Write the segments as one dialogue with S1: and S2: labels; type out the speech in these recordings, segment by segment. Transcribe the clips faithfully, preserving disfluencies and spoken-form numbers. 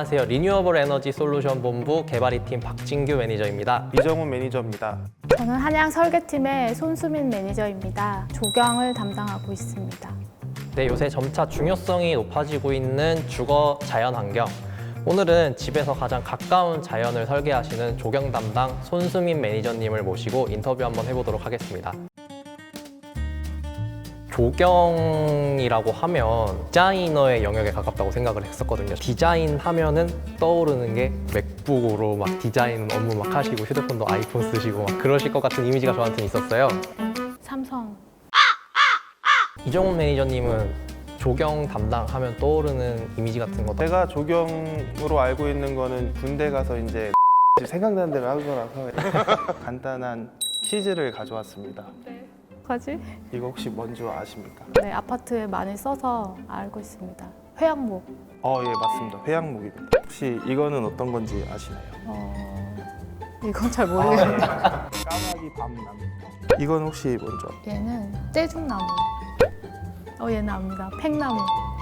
S1: 안녕하세요. 리뉴어블 에너지 솔루션 본부 개발이팀 박진규 매니저입니다.
S2: 이정훈 매니저입니다.
S3: 저는 한양 설계팀의 손수민 매니저입니다. 조경을 담당하고 있습니다.
S1: 네, 요새 점차 중요성이 높아지고 있는 주거 자연 환경. 오늘은 집에서 가장 가까운 자연을 설계하시는 조경 담당 손수민 매니저님을 모시고 인터뷰 한번 해보도록 하겠습니다. 조경이라고 하면 디자이너의 영역에 가깝다고 생각을 했었거든요. 디자인 하면은 떠오르는 게 맥북으로 막 디자인 업무 막 하시고 휴대폰도 아이폰 쓰시고 막 그러실 것 같은 이미지가 저한테는 있었어요.
S3: 삼성.
S1: 이정훈 매니저님은 조경 담당하면 떠오르는 이미지 같은 거
S2: 제가 조경으로 알고 있는 거는 군대 가서 이제 생각나는 대로 하는 거라서 간단한 퀴즈를 가져왔습니다.
S3: 뭐지?
S2: 이거 혹시 뭔지 아십니까?
S3: 네, 아파트에 많이 써서 알고 있습니다. 회양목.
S2: 어, 예, 맞습니다. 회양목입니다. 혹시 이거는 어떤 건지 아시나요?
S3: 어... 이건 잘 모르겠는데.
S2: 까마귀 밤나무. 이건 혹시 뭔지 아세요?
S3: 얘는 떼죽나무. 어, 얘는 압니다. 팽나무.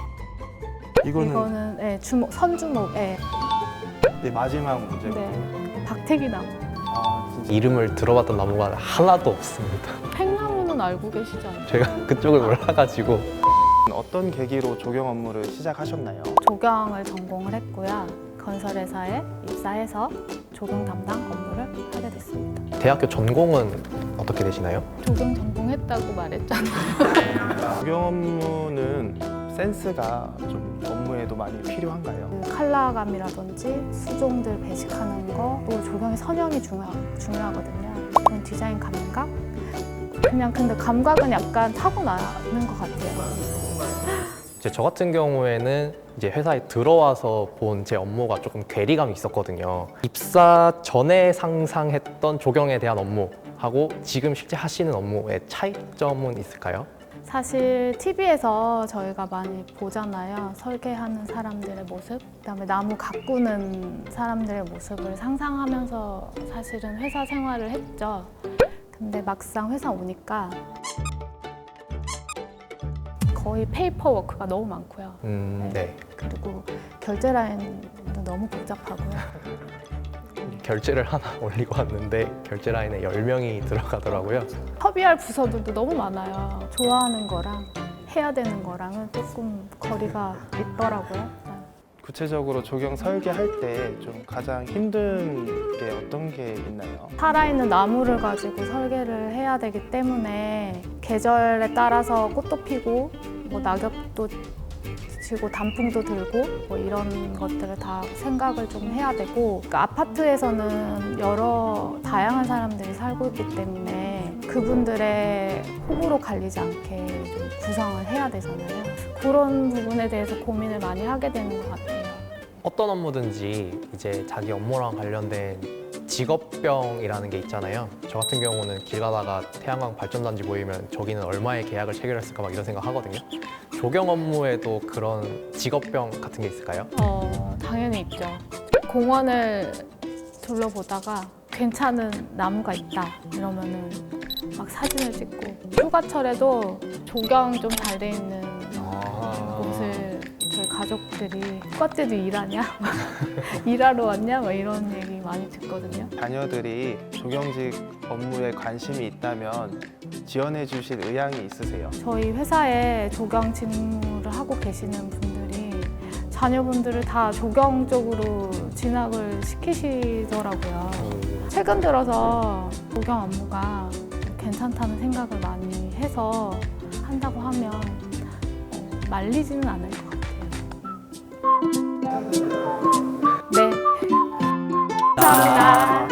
S2: 이거는
S3: 이거는 네, 주목, 선주목. 네.
S2: 네, 마지막 문제고.
S3: 네. 박태기나무.
S2: 아, 진짜.
S1: 이름을 들어봤던 나무가 하나도 없습니다.
S3: 팽나무는 알고 계시지 않나요?
S1: 제가 그쪽을 몰라가지고.
S2: 어떤 계기로 조경 업무를 시작하셨나요?
S3: 조경을 전공을 했고요. 건설회사에 입사해서 조경 담당 업무를 하게 됐습니다.
S1: 대학교 전공은 어떻게 되시나요?
S3: 조경 전공했다고 말했잖아요.
S2: 조경 업무는 센스가 좀 업무에도 많이 필요한가요?
S3: 그 컬러감이라든지 수종들 배식하는 거, 또 조경의 선형이 중요, 중요하거든요. 그런 디자인 감각? 그냥 근데 감각은 약간 타고나는 것 같아요.
S1: 이제 저 같은 경우에는 이제 회사에 들어와서 본 제 업무가 조금 괴리감이 있었거든요. 입사 전에 상상했던 조경에 대한 업무하고 지금 실제 하시는 업무의 차이점은 있을까요?
S3: 사실 티비에서 저희가 많이 보잖아요. 설계하는 사람들의 모습, 그다음에 나무 가꾸는 사람들의 모습을 상상하면서 사실은 회사 생활을 했죠. 근데 막상 회사 오니까 거의 페이퍼 워크가 너무 많고요.
S1: 음, 네.
S3: 그리고 결제 라인도 너무 복잡하고요.
S1: 결제를 하나 올리고 왔는데 결제 라인에 열 명이 들어가더라고요.
S3: 협의할 부서들도 너무 많아요. 좋아하는 거랑 해야 되는 거랑은 조금 거리가 있더라고요.
S2: 구체적으로 조경 설계할 때 좀 가장 힘든 게 어떤 게 있나요?
S3: 살아있는 나무를 가지고 설계를 해야 되기 때문에 계절에 따라서 꽃도 피고 뭐 낙엽도 지고 단풍도 들고 뭐 이런 것들을 다 생각을 좀 해야 되고, 그러니까 아파트에서는 여러 다양한 사람들이 살고 있기 때문에 그분들의 호불호 갈리지 않게 좀 구성을 해야 되잖아요. 그런 부분에 대해서 고민을 많이 하게 되는 것 같아요.
S1: 어떤 업무든지 이제 자기 업무랑 관련된 직업병이라는 게 있잖아요. 저 같은 경우는 길 가다가 태양광 발전단지 보이면 저기는 얼마의 계약을 체결했을까 막 이런 생각 하거든요. 조경 업무에도 그런 직업병 같은 게 있을까요?
S3: 어, 당연히 있죠. 공원을 둘러보다가 괜찮은 나무가 있다 이러면은 막 사진을 찍고, 휴가철에도 조경 좀 잘 돼 있는 곳을 저희 가족들이 휴가때도 일하냐? 일하러 왔냐? 막 이런 얘기 많이 듣거든요.
S2: 자녀들이 조경직 업무에 관심이 있다면 지원해 주실 의향이 있으세요?
S3: 저희 회사에 조경 직무를 하고 계시는 분들이 자녀분들을 다 조경 쪽으로 진학을 시키시더라고요. 최근 들어서 조경 업무가 괜찮다는 생각을 많이 해서 한다고 하면 어, 말리지는 않을 것 같아요. 네. 감사합니다.